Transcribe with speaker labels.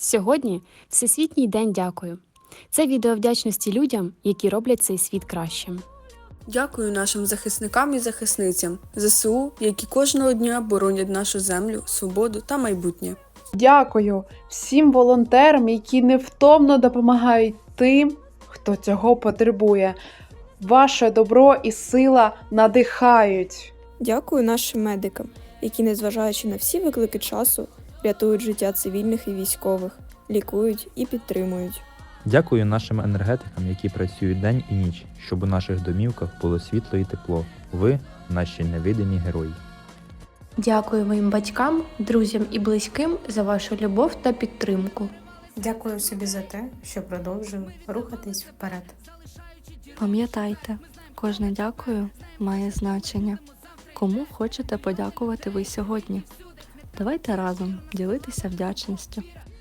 Speaker 1: Сьогодні Всесвітній день дякую. Це відео вдячності людям, які роблять цей світ кращим.
Speaker 2: Дякую нашим захисникам і захисницям ЗСУ, які кожного дня боронять нашу землю, свободу та майбутнє.
Speaker 3: Дякую всім волонтерам, які невтомно допомагають тим, хто цього потребує. Ваше добро і сила надихають.
Speaker 4: Дякую нашим медикам, які, незважаючи на всі виклики часу, рятують життя цивільних і військових, лікують і підтримують.
Speaker 5: Дякую нашим енергетикам, які працюють день і ніч, щоб у наших домівках було світло і тепло. Ви – наші невидимі герої.
Speaker 6: Дякую моїм батькам, друзям і близьким за вашу любов та підтримку.
Speaker 7: Дякую собі за те, що продовжую рухатись вперед.
Speaker 8: Пам'ятайте, кожне дякую має значення. Кому хочете подякувати ви сьогодні? Давайте разом ділитися вдячністю.